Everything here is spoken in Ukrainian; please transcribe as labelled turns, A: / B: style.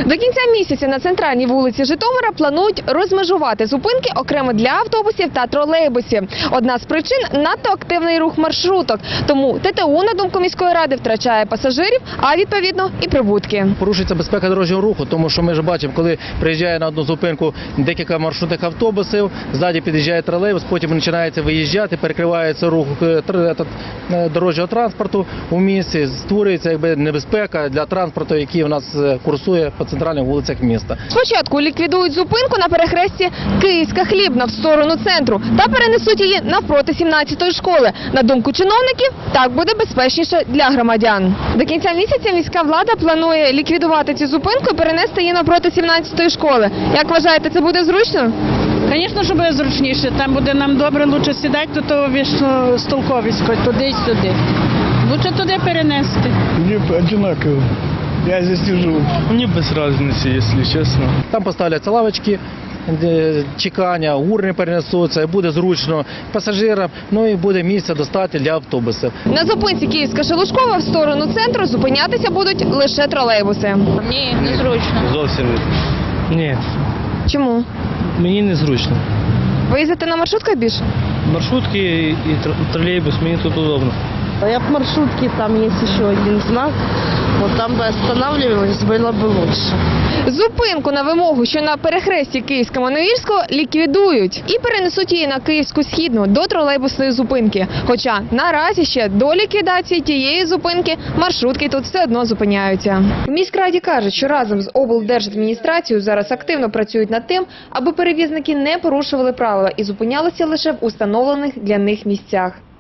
A: До кінця місяця на центральній вулиці Житомира планують розмежувати зупинки окремо для автобусів та тролейбусів. Одна з причин – надто активний рух маршруток. Тому ТТУ, на думку міської ради, втрачає пасажирів, а відповідно і прибутки.
B: Порушується безпека дорожнього руху, тому що ми ж бачимо, коли приїжджає на одну зупинку декілька маршрутних автобусів, ззаді під'їжджає тролейбус, потім починається виїжджати, перекривається рух дорожнього транспорту у місті, створюється небезпека для транспорту, який у нас курсує по центральних вулицях міста.
A: Спочатку ліквідують зупинку на перехресті Київська Хлібна в сторону центру та перенесуть її навпроти 17-ї школи. На думку чиновників, так буде безпечніше для громадян. До кінця місяця міська влада планує ліквідувати цю зупинку і перенести її навпроти 17-ї школи. Як вважаєте, це буде зручно?
C: Звісно, що буде зручніше. Там буде нам добре, лучше сідати до того вічно столковисько, туди й сюди. Лучше туди перенести.
D: Мне одинаково. Я здесь не живу.
E: Мне без разницы, если честно.
B: Там поставляться лавочки, чекання, урни перенесуться, і буде зручно пасажирам, ну і буде місця достатньо для автобусів.
A: На зупинці Київська-Шелушкова в сторону центру зупинятися будуть лише тролейбуси.
C: Ні, незручно.
E: Зовсім ні.
A: Чому?
E: Мені незручно.
A: Ви їздите на маршрутках більше?
E: Маршрутки і тролейбус, мені тут удобно.
F: Я в маршрутке, там есть еще один знак. Вот там бы останавливалась, было бы лучше.
A: Зупинку на вимогу, що на перехресті Київсько-Маневірського, ліквідують і перенесуть її на Київську Східну до тролейбусної зупинки. Хоча наразі ще до ліквідації тієї зупинки маршрутки тут все одно зупиняються. В міськраді кажуть, що разом з облдержадміністрацією зараз активно працюють над тим, аби перевізники не порушували правила і зупинялися лише в установлених для них місцях.